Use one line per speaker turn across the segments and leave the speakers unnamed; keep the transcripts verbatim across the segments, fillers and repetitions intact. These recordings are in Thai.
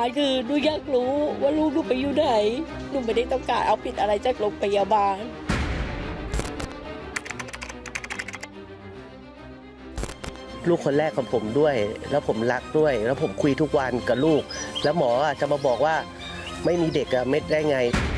ารคือหนูอยากรู้ว่าลูกหนูไปอยู่ไหนหนูไม่ได้ต้องการเอาผิดอะไรจากโรงพยาบาล
ลูกคนแรกของผมด้วยแล้วผมรักด้วยแล้วผมคุยทุกวันกับลูกแล้วหมอจะมาบอกว่าไม่มีเด็กอะเม็ดได้ไง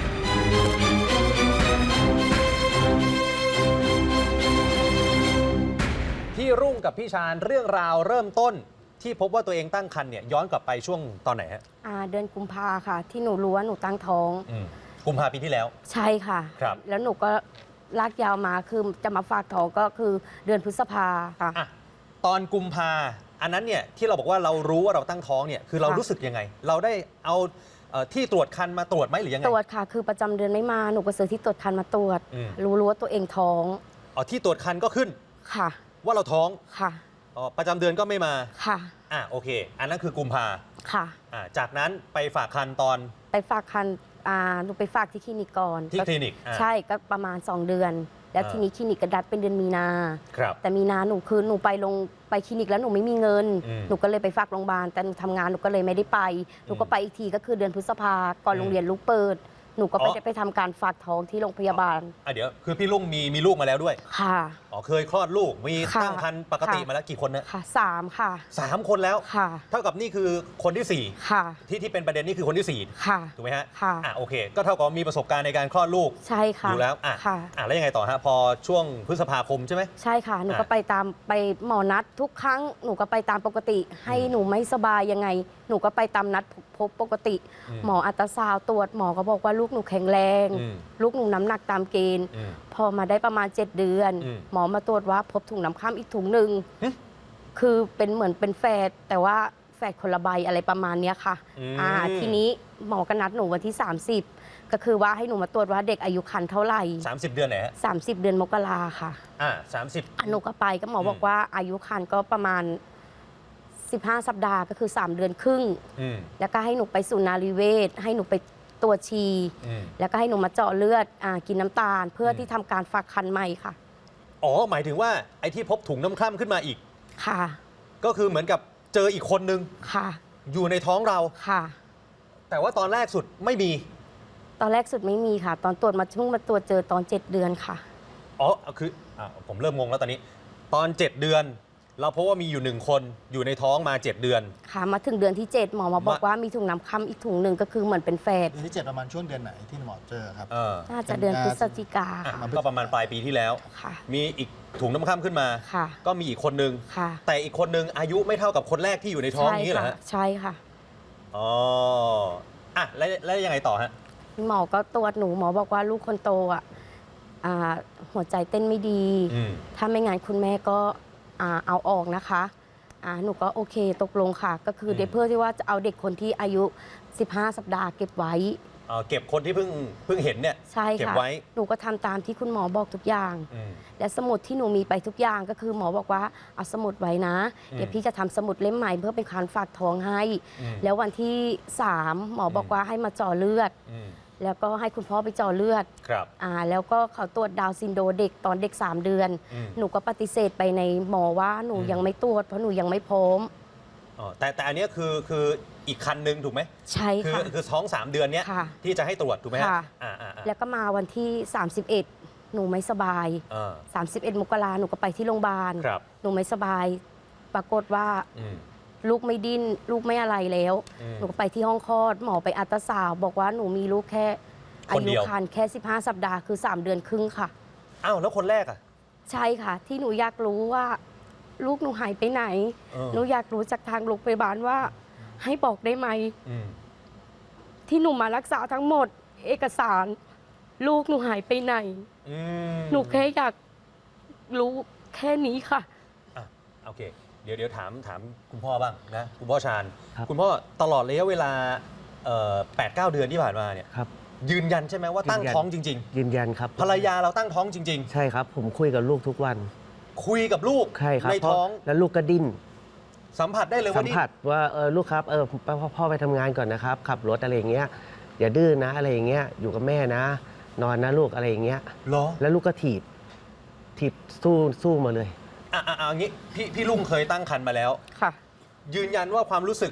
พี่รุ่งกับพี่ชาญเรื่องราวเริ่มต้นที่พบว่าตัวเองตั้งครรภ์เนี่ยย้อนกลับไปช่วงตอนไหนฮะ
อ่าเดือนกุมภาค่ะ ที่หนูรู้ว่าหนูตั้งท้อง
อืมกุมภาปีที่แล้ว
ใช่ค่ะ
ครับ
แล้วหนูก็ลากยาวมาคือจะมาฝากท้องก็คือเดือนพฤษภาค่ะ
อ่ะตอนกุมภาอันนั้นเนี่ยที่เราบอกว่าเรารู้ว่าเราตั้งท้องเนี่ยคือเรารู้สึกยังไง เราได้เอาเอ่อที่ตรวจครรภ์มาตรวจไหมหรือยังไง
ตรวจค่ะคือประจำเดือนไม่มาหนูก็ซื้อที่ตรวจครรภ์มาตรวจ
อืม
รู้รู้ว่าตัวเองท้อง
อ๋อที่ตรวจครรภ์ก็ขึ้น
ค่ะ
ว่าเราท้อง
ค่ะ
อ๋อประจำเดือนก็ไม่มา
ค่ะ
อ่ะโอเค อันนั้นคือกุมภา
ค่ะ
อ่ะจากนั้นไปฝากครรภ์ตอน
ไปฝากครรภ์อ่าหนูไปฝากที่คลินิกก่อน
ที่คลินิก
ใช่ก็ประมาณสองเดือนแล้วทีนี้คลินิกกระดัดเป็นเดือนมีนา
ครับ
แต่มีนาหนูคือหนูไปลงไปคลินิกแล้วหนูไม่มีเงิน
อืม
หนูก็เลยไปฝากโรงพยาบาลแต่หนูทำงานหนูก็เลยไม่ได้ไปหนูก็ไปอีกทีก็คือเดือนพฤษภาก่อนโรงเรียนลูกเปิดหนูก็ไป
อ๋อ
ไปทำการฝากท้องที่โรงพยาบาล
อ่ะเดี๋ยวคือพี่ลุงมีมีลูกมาแล้วด้วย
ค่ะ
อ๋อเคยคลอดลูกมี
ค่ะ
ตั้งครรภ์ปกติ
ค่ะ
มาแล้วกี่คนนะ
ค่ะสามค่ะ
สามคนแล้ว
ค่ะ
เท่ากับนี่คือคนที่สี่
ค่ะ
ที่ที่เป็นประเด็นนี่คือคนที่สี่
ค่ะ
ถูกไหมฮะ
ค่ะ
อ่ะโอเค ก็เท่ากับมีประสบการณ์ในการคลอดลูก
ใช่ค่ะ
อยู่แล้วอ่ะ
ค่ะ
อ่ะแล้วยังไงต่อฮะพอช่วงพฤษภาคมใช่ไหม
ใช่ค่ะหนูก็
อ่ะ
ไปตามไปหมอนัดทุกครั้งหนูก็ไปตามปกติ ให้
อืม
หนูไม่สบายยังไง หนูก็ไปตามนัดพบปกติ
อืม
หมออัลตราซาวด์ตรวจหมอก็บอกว่าลูกหนูแข็งแรง
อืม
ลูกหนูน้ำหนักตามเกณฑ์
อืม
พอมาได้ประมาณเจ็ดเดือน
อืม
หมอมาตรวจว่าพบถุงน้ำข้ามอีกถุงหนึ่ง
หึ
คือเป็นเหมือนเป็นแฝดแต่ว่าแฝดคนละใบอะไรประมาณเนี้ยค่ะ
อืม
อ่าทีนี้หมอก็นัดหนูวันที่ สามสิบ ก็คือว่าให้หนูมาตรวจว่าเด็กอายุครรภ์เท่าไหร่
สามสิบเดือนไหนฮะ
สามสิบ เดือนมกราค่ะ
อ่ะสามสิบ
อ่ะหนูก็ไปก็หมอบอกว่าอายุครรภ์ก็ประมาณ สิบห้า สัปดาห์ก็คือ สาม เดือนครึ่ง
อืม
แล้วก็ให้หนูไปสู่นารีเวชให้หนูไปตรวจชี
อืม
แล้วก็ให้หนูมาเจาะเลือดอ่ากินน้ำตาล เพื่ออ
ม
ที่ทำการฝากครรภ์ใหม่ค่ะ
อ๋อหมายถึงว่าไอ้ที่พบถุงน้ำคร่ำขึ้นมาอีก
ค่ะ
ก็คือเหมือนกับเจออีกคนนึง
ค่ะ
อยู่ในท้องเรา
ค่ะ
แต่ว่าตอนแรกสุดไม่มี
ตอนแรกสุดไม่มีค่ะ ตอนตรวจมาเพิ่งมาตรวจเจอตอนเจ็ดเดือนค่ะ
อ๋อคืออ่ะผมเริ่มงงแล้วตอนนี้ ตอนเจ็ดเดือน เราพบว่ามีอยู่หนึ่งคนอยู่ในท้องมาเจ็ดเดือน
ค่ะมาถึงเดือนที่เจ็ดหมอมาบอก
มา
ว่ามีถุงน้ำค่ำอีกถุงหนึ่งก็คือเหมือนเป็นแฝด
เดือนที่เจ็ดประมาณช่วงเดือนไหนที่หมอเจอครับ
เออ
น่าจะเดือนพฤศจิกา
อ่ะ
ค่ะ
ก็ประมาณปลายปีที่แล้ว
ค่ะ
มีอีกถุงน้ำข้ามขึ้นมา
ค่ะ
ก็มีอีกคนนึง
ค่ะ
แต่อีกคนนึงอายุไม่เท่ากับคนแรกที่อยู่ในท้อง
ใช่
นี้เหรอ
ค่ะ
ฮะ
ใช่ค่ะ
อ๋ออ่ะแล้วแล้วยังไงต่อฮะ
หมอก็ตรวจหนูหมอบอกว่าลูกคนโตอ่ะอ่าหัวใจเต้นไม่ดี
อืม
ถ้าไม่งั้นคุณแม่ก็อ่าเอาออกนะคะอ่าหนูก็โอเคตกลงค่ะ ก็คือเดี๋ยวเพื่อที่ว่าจะเอาเด็กคนที่อายุ สิบห้า สัปดาห์เก็บไว้
เอ่อเก็บคนที่เพิ่งเพิ่งเห็นเนี่ย
ใช่
เก็บ
ค่ะ
ไว้
หนูก็ทำตามที่คุณหมอบอกทุกอย่าง
อืม
และสมุดที่หนูมีไปทุกอย่างก็คือหมอบอกว่าเอาสมุดไว้นะ
อืม
เดี๋ยวพี่จะทำสมุดเล่มใหม่เพื่อเป็นการฝากท้องให้
อืม
แล้ววันที่สามหมอบอกว่าให้มาเจ่อเลือด
อืม
แล้วก็ให้คุณพ่อไปเจ่อเลือด
ครับ
อ่าแล้วก็เขาตรวจดาวน์ซินโดรมเด็กตอนเด็ก สาม เดือน
อืม
หนูก็ปฏิเสธไปในหมอว่าหนู
อืม
ยังไม่ตรวจเพราะหนูยังไม่พร้อม
อ๋อแต่แต่อันเนี้ยคือคืออีกคันนึงถูกไหม
ใช่
คือ
ค่ะ
คือท้องสามเดือนเนี้ย
ค่ะ
ที่จะให้ตรวจถูกไหมฮะ
ค่ะ
อ่าอ่าอ่า
แล้วก็มาวันที่ สามสิบเอ็ด หนูไม่สบาย
อ่า
สามสิบเอ็ด มกราหนูก็ไปที่โรงพยาบาล
ครับ
หนูไม่สบาย ปรากฏว่า
อืม
ลูกไม่ดิ้นลูกไม่อะไรแล้ว
อืม
หนูก็ไปที่ห้องคลอด หมอไปอัลตราซาวด์บอกว่าหนูมีลูกแค่อา
คนเดี
ยุ
ยว
ครรภ์แค่ สิบห้า สัปดาห์คือ สาม เดือนครึ่งค่ะ
อ้าวแล้วคนแรกอ่ะ
ใช่ค่ะ ที่หนูอยากรู้ว่าลูกหนูหายไปไหน
เออ
หนูอยากรู้จากทางโรงพยาบาลว่าให้บอกได้ไหม
อืม
ที่หนูมารักษาทั้งหมด เอกสาร ลูกหนูหายไปไหน
อืม
หนูแค่อยากรู้แค่นี้ค่ะ
อ่ะโอเค เดี๋ยวเดี๋ยวถามถามคุณพ่อบ้างนะคุณพ่อชาญ
ครับ
คุณพ่อตลอดระยะเวลาแปดเก้าเดือนที่ผ่านมาเนี่ย
ครับ
ยืนยันใช่ไหมว่าตั้ง
ยืนยัน
ท้องจริง
ยืนยันครับ
ๆ ภรรยาเราตั้งท้องจริง
ใช่ครับ ผมคุยกับลูกทุกวัน
ๆ คุยกับลูก
ใช่ครับ
ใน
เพราะ
ท้อง
แล้วลูกก็ดิ้น
สัมผัสได้เลย
สั
ว่าม นี่
ผัสว่าเออลูกครับเออพ่อพ่อไปทำงานก่อนนะครับ ขับรถอะไรอย่างเงี้ยอย่าดื้อนะอะไรอย่างเงี้ยอยู่กับแม่นะ นอนนะลูกอะไรอย่างเงี้ย
เหรอ
แล้วลูกก็ถีบถีบสู้สู้มาเลย
อ่ะอ่ะอ่ะอย่างงี้พี่พี่ลุงเคยตั้งครรภ์มาแล้ว
ค่ะ
ยืนยันว่าความรู้สึก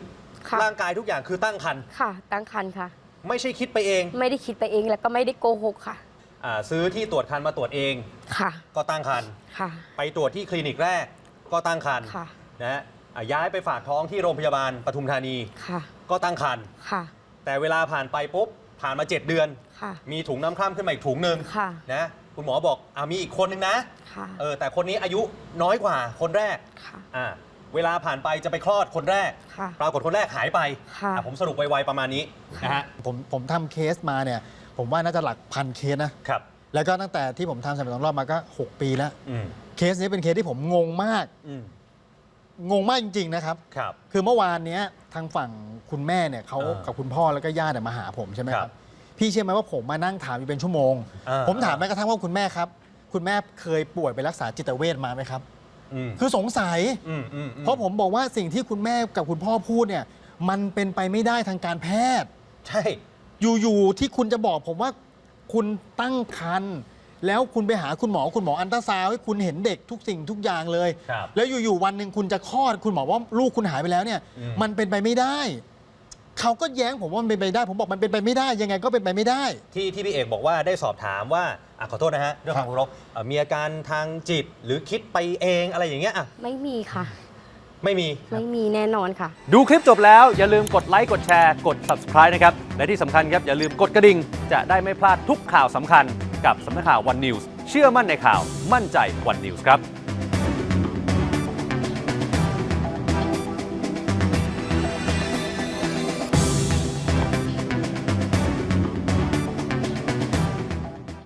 ค่ะ
ร่างกายทุกอย่างคือตั้งครรภ์
ค่ะ ตั้งครรภ์ค่ะ
ไม่ใช่คิดไปเอง
ไม่ได้คิดไปเองแล้วก็ไม่ได้โกหกค่ะ
อ่าซื้อที่ตรวจครรภ์มาตรวจเอง
ค่ะ
ก็ตั้งครรภ์
ค่ะ
ไปตรวจที่คลินิกแรกก็ตั้งครรภ์
ค่ะ
นะฮะอ่ะย้ายไปฝากท้องที่โรงพยาบาลปทุมธานี
ค่ะ
ก็ตั้งครรภ์
ค่ะ
แต่เวลาผ่านไปปุ๊บผ่านมา เจ็ด เดือน
ค่ะ
มีถุงน้ำคร่ำขึ้นมาอีกถุงหนึ่ง
ค่ะ
นะคุณหมอบอกอ่ามีอีกคนนึงนะ
ค่ะ
เออแต่คนนี้อายุน้อยกว่าคนแรก
ค่ะ
อ่าเวลาผ่านไปจะไปคลอดคนแรก
ค่ะ
ปรากฏคนแรกหายไป
ค่ะ
อ่ะผมสรุปไวๆประมาณนี้นะฮะ
ผมผมทำเคสมาเนี่ย ผมว่าน่าจะหลักพันเคสนะ
ครับ
แล้วก็ตั้งแต่ที่ผมทำสามสองรอบมาก็ หก ปีแล้ว
อืม
เคสนี้เป็นเคสที่ผมงงมาก
อืม
งงมากจริง ๆ นะครับ
ครับ
คือเมื่อวานเนี้ยทางฝั่งคุณแม่เนี่ยเขา
อ่ากั
กับคุณพ่อแล้วก็ญาติเนี่ยมาหาผมใช่ไหมค
ครั
รับ
บ
พี่เชื่อไหมว่าผมมานั่งถามอยู่เป็นชั่วโมง
อ่า
ผมถามแม้กระทั่งว่าคุณแม่ครับ คุณแม่เคยป่วยไปรักษาจิตเวชมาไหมครับ
อืม
คือสงสัย
อืมอืมอืม
เพราะผมบอกว่าสิ่งที่คุณแม่กับคุณพ่อพูดเนี่ยมันเป็นไปไม่ได้ทางการแพทย์
ใช่
อยู่ๆที่คุณจะบอกผมว่าคุณตั้งครรภ์แล้วคุณไปหาคุณหมอคุณหมออันตราซาวด์ให้คุณเห็นเด็กทุกสิ่งทุกอย่างเลย
ครับ
แล้วอยู่ๆวันหนึ่งคุณจะคลอดคุณหมอว่าลูกคุณหายไปแล้วเนี่ย
อืม
มันเป็นไปไม่ได้ เขาก็แย้งผมว่ามันเป็นไปได้ ผมบอกมันเป็นไปไม่ได้ ยังไงก็เป็นไปไม่ได้
ที่ที่พี่เอกบอกว่าได้สอบถามว่าอ่ะขอโทษนะฮะเรื่องของคุณรกเอ่อมีอาการทางจิตหรือคิดไปเองอะไรอย่างเงี้ยอ่ะ
ไม่มีค่ะ
ไม่มี
ไม่มีแน่นอนค่ะ
ดูคลิปจบแล้วอย่าลืมกดไลค์กดแชร์กด Subscribe นะครับ และที่สำคัญครับ อย่าลืมกดกระดิ่ง จะได้ไม่พลาดทุกข่าวสำคัญกับสำนักข่าว วัน นิวส์ เชื่อมั่นในข่าวมั่นใจ วัน นิวส์ ครับ